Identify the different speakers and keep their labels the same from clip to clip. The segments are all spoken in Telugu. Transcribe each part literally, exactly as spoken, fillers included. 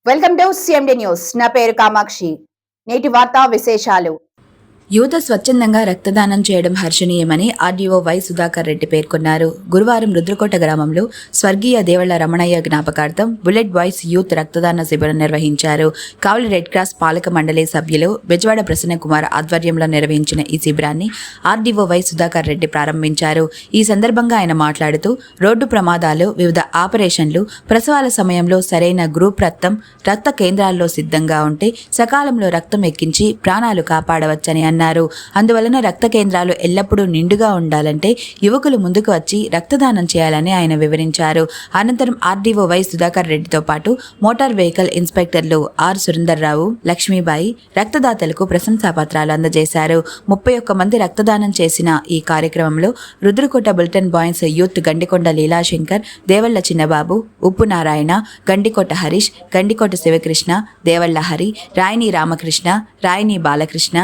Speaker 1: Welcome to CMD news. నా పేరు కామాక్షి. నేటి వార్తా విశేషాలు.
Speaker 2: యువత స్వచ్ఛందంగా రక్తదానం చేయడం హర్షణీయమని ఆర్డీఓ వై సుధాకర్ రెడ్డి పేర్కొన్నారు. గురువారం రుద్రకోట గ్రామంలో స్వర్గీయ దేవళ్ల రమణయ్య జ్ఞాపకార్థం బుల్లెట్ బాయ్స్ యూత్ రక్తదాన శిబిరం నిర్వహించారు. కావలి రెడ్ క్రాస్ పాలక మండలి సభ్యులు బెజవాడ ప్రసన్న కుమార్ ఆధ్వర్యంలో నిర్వహించిన ఈ శిబిరాన్ని ఆర్డీఓ వై సుధాకర్ రెడ్డి ప్రారంభించారు. ఈ సందర్భంగా ఆయన మాట్లాడుతూ రోడ్డు ప్రమాదాలు, వివిధ ఆపరేషన్లు, ప్రసవాల సమయంలో సరైన గ్రూప్ రక్తం రక్త కేంద్రాల్లో సిద్ధంగా ఉంటే సకాలంలో రక్తం ఎక్కించి ప్రాణాలు కాపాడవచ్చని అన్నారు. అందువలన రక్త కేంద్రాలు ఎల్లప్పుడూ నిండుగా ఉండాలంటే యువకులు ముందుకు వచ్చి రక్తదానం చేయాలని ఆయన వివరించారు. అనంతరం ఆర్డీఓ వై సుధాకర్ రెడ్డితో పాటు మోటార్ వెహికల్ ఇన్స్పెక్టర్లు ఆర్ సురేందర్రావు, లక్ష్మీబాయి రక్తదాతలకు ప్రశంసాపత్రాలు అందజేశారు. ముప్పై ఒక్క మంది రక్తదానం చేసిన ఈ కార్యక్రమంలో Rudrakota bulletin boys youth Gandikonda Leelashankar, Devalla Chinnababu, Uppu Narayana, Gandikota Harish, Gandikota Sivakrishna, దేవళ్ల Hari, రాయిని రామకృష్ణ, రాయిని బాలకృష్ణ,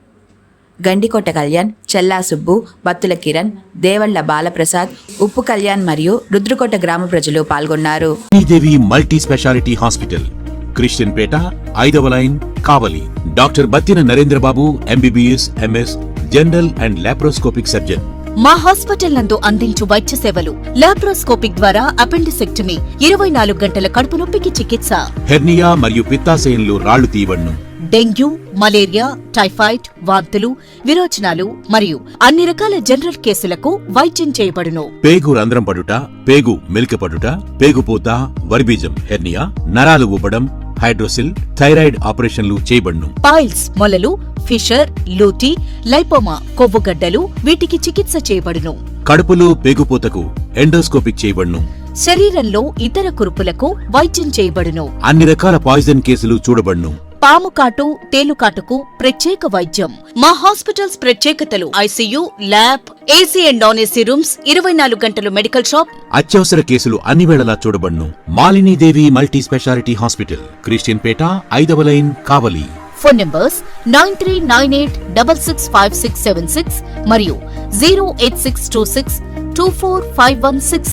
Speaker 2: గండికోట కళ్యాణ్, చెల్లా సుబ్బు, బత్తుల కిరణ్, దేవళ్ల బాలప్రసాద్, ఉప్పు కళ్యాణ్ మరియు రుద్రకోట గ్రామ ప్రజలు పాల్గొన్నారు.
Speaker 3: Devi multi specialty hospital, Christian Peta, ఐదవ line, Kavali. Doctor Battina Narendrababu, MBBS, MS, general and laparoscopic surgeon.
Speaker 4: మా హాస్పిటల్ నందు అందించు వైద్య సేవలు: లాప్రోస్కోపిక్ ద్వారా అపెండిసెక్టమీ, ఇరవై నాలుగు గంటల కడుపు నొప్పికి చికిత్స,
Speaker 3: హెర్నియా మరియు పిత్తాశయంలో రాళ్లు తీయబడును,
Speaker 4: డెంగ్యూ, మలేరియా, టైఫాయిడ్, వాంతులు, విరోచనాలు మరియు అన్ని రకాల జనరల్ కేసులకు వైద్యం చేయబడును.
Speaker 3: పేగు రంధ్రం పడుట, పేగు మెలిక పడుట, పేగుపూత, వర్బీజం, హెర్నియా, నరాలు ఉబ్బడం, హైడ్రోసిల్, థైరాయిడ్ ఆపరేషన్లు చేయబడును.
Speaker 4: పైల్స్, మొలలు, ఫిషర్, లూటీ, లైపోమా, కొవ్వుగడ్డలు వీటికి చికిత్స చేయబడును.
Speaker 3: కడుపులో పేగుపూతకు ఎండోస్కోపిక్ చేయబడును.
Speaker 4: శరీరంలో ఇతర కురుపులకు వైద్యం చేయబడును.
Speaker 3: అన్ని రకాల పాయిజన్ కేసులు చూడబడును.
Speaker 4: పాము కాటు, తేలుకాటుకు ప్రత్యేక వైద్యం. మా హాస్పిటల్స్ ప్రత్యేకతలు: ICU, lab, AC and non AC rooms, ఇరవై నాలుగు గంటలు మెడికల్ షాప్,
Speaker 3: అత్యవసర కేసులు అన్ని వేళలా చూడబడును. Malinidevi multi specialty hospital, Christian Peta, ఐదవ line, Kavali.
Speaker 4: Phone numbers nine three nine eight double six five six seven six మరియు zero eight six two six two four five one six